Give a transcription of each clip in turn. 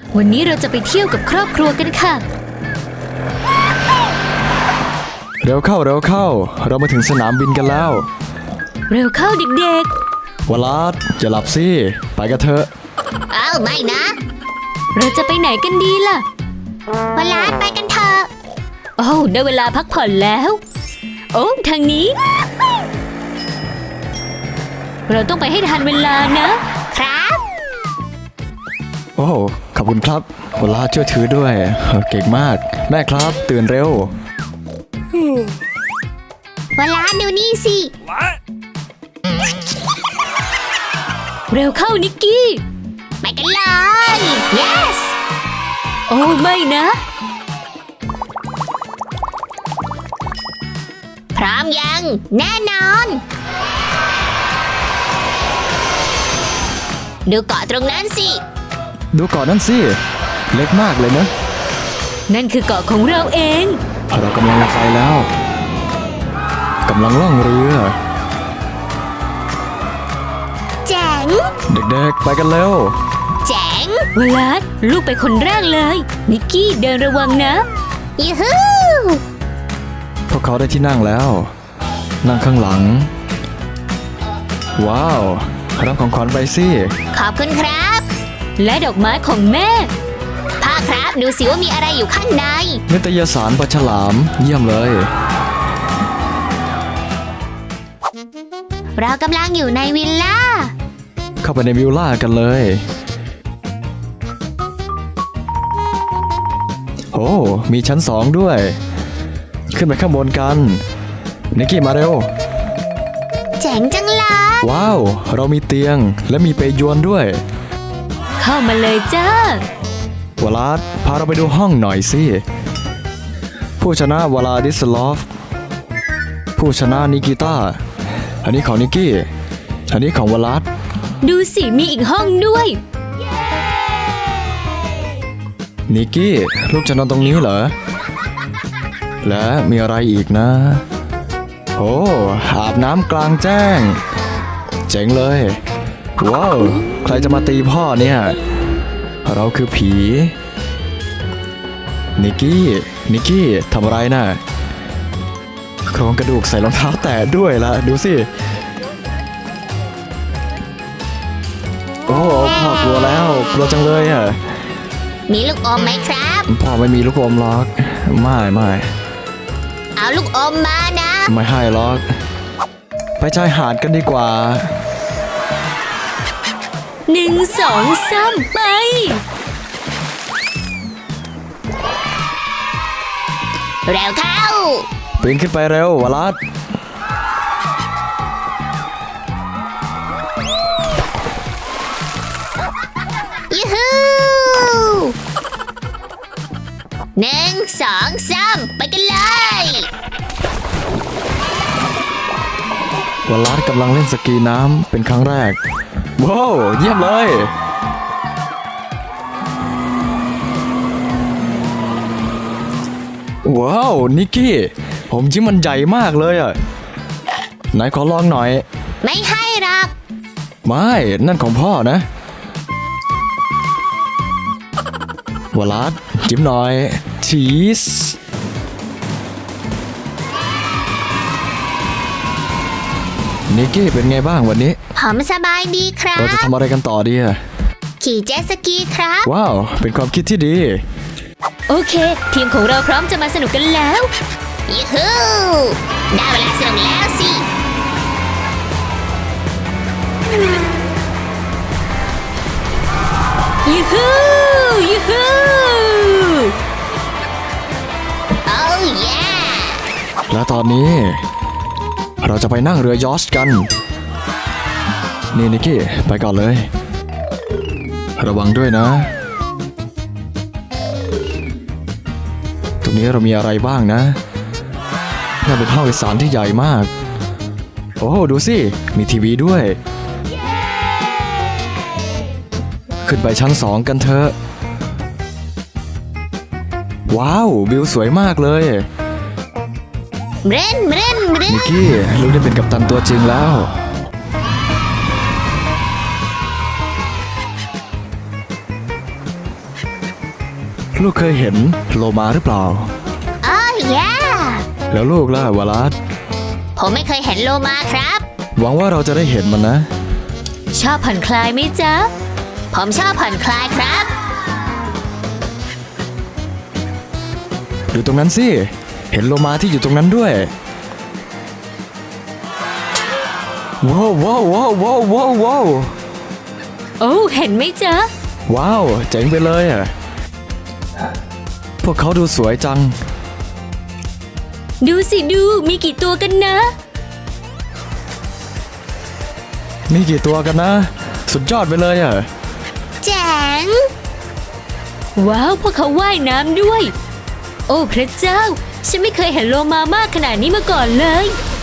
วันนี้เราจะไปเที่ยวกับครอบครัวกันค่ะเร็วเข้าเร็วเข้าเรามาถึงสนามบินกันแล้วเร็วเข้าเด็กวลาดอย่าหลับสิไปกันเถอะอ้าวไม่นะเราจะไปไหนกันดีล่ะวลาไปกันเถอะโอ้ได้เวลาพักผ่อนแล้วโอ้ทางนี้เราต้องไปให้ทันเวลานะครับโอ้ขอบคุณครับวลาช่วยถือด้วยเก่งมากแม่ครับตื่นเร็ววลาดูนี่สิเร็วเข้านิกกี้ไปกันเลย yes โอ้ไม่นะพร้อมยังแน่นอนดูเกาะตรงนั้นสิดูเกาะนั่นสิเล็กมากเลยนะนั่นคือเกาะของเราเองเรากำลังไปแล้วกำลังล่องเรือเจ๋งเด็กๆไปกันเร็วเจ๋งเวลาลูกไปคนแรกเลยนิกกี้เดินระวังนะยูฮูพวกเขาได้ที่นั่งแล้วนั่งข้างหลังว้าวรับของขวัญไปสิขอบคุณครับและดอกไม้ของแม่พ่อครับดูสิว่ามีอะไรอยู่ข้างในนิตยสารปลาฉลามเยี่ยมเลยเรากำลังอยู่ในวิลล่าเข้าไปในวิลล่ากันเลยโอ้มีชั้น2ด้วยขึ้นไปข้างบนกันนิกกี้มาเร็วเจ๋งจังเลยว้าวเรามีเตียงและมีเปยวนด้วยเข้ามาเลยจ้าวลาดพาเราไปดูห้องหน่อยสิผู้ชนะวลาดิสลอฟผู้ชนะนิกิต้าอันนี้ของนิกกี้อันนี้ของวลาดดูสิมีอีกห้องด้วยนิกกี้ลูกจะนอนตรงนี้เหรอและมีอะไรอีกนะโอ้อาบน้ำกลางแจ้งเจ๋งเลยว้าวใครจะมาตีพ่อเนี่ยเราคือผีนิกกี้ทำอะไรน่ะโครงกระดูกใส่รองเท้าแตะด้วยล่ะดูสิโอ้พ่อกลัวแล้วกลัวจังเลยอ่ะมีลูกอมไหมครับพ่อไม่มีลูกอมหรอกไม่เอาลูกอมมานะไม่ให้หรอกไปชายหาดกันดีกว่า 1 2 3ไปเร็วเข้าปีนขึ้นไปเร็ววลัดยูฮู1 2 3ไปกันเลยวลัดกำลังเล่นสกีน้ำเป็นครั้งแรกว้าวเยี่ยมเลยว้าวนิกกี้ผมจิ้มมันใหญ่มากเลยอ่ะไหนขอลองหน่อยไม่ให้หรอกไม่นั่นของพ่อนะวลัดจิ้มหน่อยชีสนิกกี้เป็นไงบ้างวันนี้ผมสบายดีครับเราจะทำอะไรกันต่อดีอะขี่เจ็ตสกีครับว้าวเป็นความคิดที่ดีโอเคทีมของเราพร้อมจะมาสนุกกันแล้วยูฮูได้เวลาสนุกแล้วสิยูฮูโอ้ยและตอนนี้เราจะไปนั่งเรือยอชต์กันนี่นิกกี้ไปก่อนเลยระวังด้วยนะตรงนี้เรามีอะไรบ้างนะน่าเป็นห้องโดยสารที่ใหญ่มากโอ้ดูสิมีทีวีด้วยขึ้นไปชั้น2กันเถอะว้าววิวสวยมากเลยเร่นนิกกี้ลูกได้เป็นกัปตันตัวจริงแล้วลูกเคยเห็นโลมาหรือเปล่าอ๋อแย่แล้วลูกล่ะวาลัสผมไม่เคยเห็นโลมาครับหวังว่าเราจะได้เห็นมันนะชอบผ่อนคลายไหมจ๊ะผมชอบผ่อนคลายครับดูตรงนั้นสิ เห็นโลมาที่อยู่ตรงนั้นด้วย ว้าวว้าวว้าวว้าวว้าวว้าวโอ้เห็นไหมจ๊ะว้าวเจ๋งไปเลยอ่ะ พวกเขาดูสวยจังดูสิดูมีกี่ตัวกันนะมีกี่ตัวกันนะ สุดยอดไปเลยอ่ะแจ๋งว้าวพวกเขาว่ายน้ำด้วย โอ้พระเจ้า ฉันไม่เคยเห็นโลมามากขนาดนี้มาก่อนเลย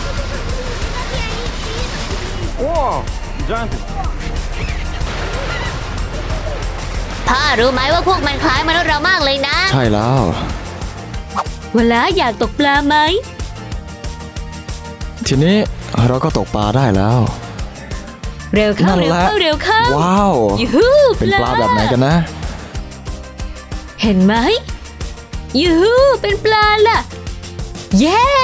พ่อรู้ไหมว่าพวกมันคล้ายมนุษย์เรามากเลยนะใช่แล้วเวลาอยากตกปลาไหมทีนี้เราก็ตกปลาได้แล้วเร็วเข้านั่นเร็วแหละเข้าเร็วเข้าว้าวยูฮูเป็นปลาแบบไหนกันนะเห็นไหมยูฮูเป็นปลาล่ะ เย้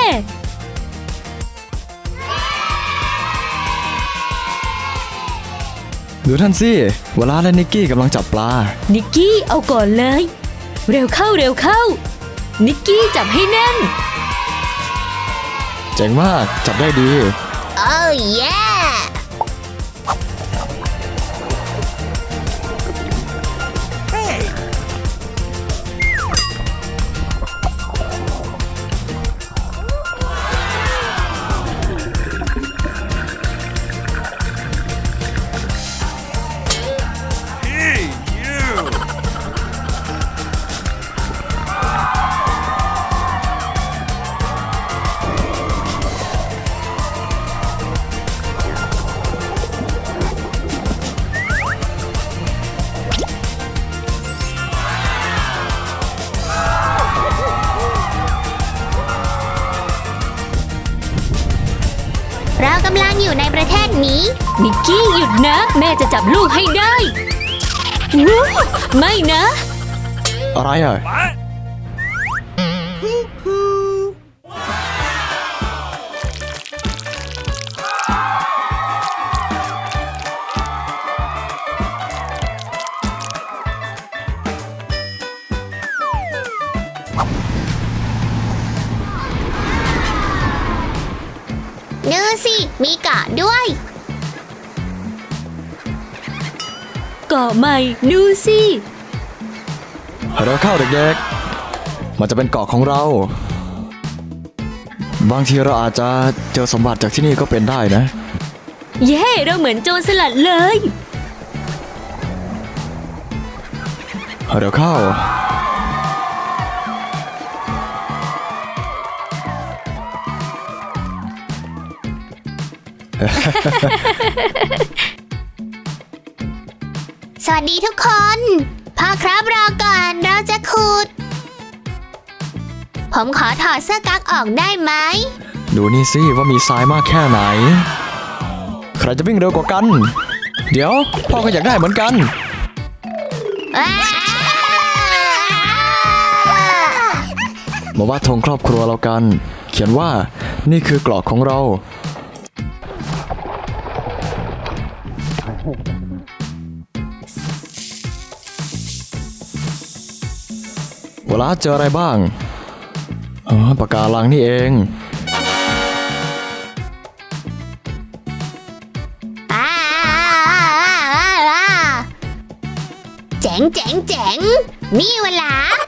ดูท่านสิวลาและนิกกี้กำลังจับปลานิกกี้เอาก่อนเลย เร็วเข้าเร็วเข้า นิกกี้จับให้แน่นเจ๋งมาก จับได้ดีโอ้แย่ เรากำลังอยู่ในประเทศนี้นิกกี้หยุดนะ แม่จะจับลูกให้ได้วู้ไม่นะอะไรอ่ะดูสิ มีเกาะด้วยเกาะใหม่ดูสิเราเข้าเด็กๆ มันจะเป็นเกาะของเรา บางทีเราอาจจะเจอสมบัติจากที่นี่ก็เป็นได้นะเย้เราเหมือนโจรสลัดเลยเดี๋ยวเข้าสวัสดีทุกคน พ่อครับรอก่อนเราจะขุด ผมขอถอดเสื้อกั๊กออกได้ไหมดูนี่สิว่ามีทรายมากแค่ไหน ใครจะวิ่งเร็วกว่ากัน เดี๋ยวพ่อก็อยากได้เหมือนกัน มาว่าดธงครอบครัวเรากัน เขียนว่านี่คือเกราะของเรา เวลาเจออะไรบ้าง อ๋อปะการังนี่เองเจ๋งเจ๋งเจ๋งนี่เวลา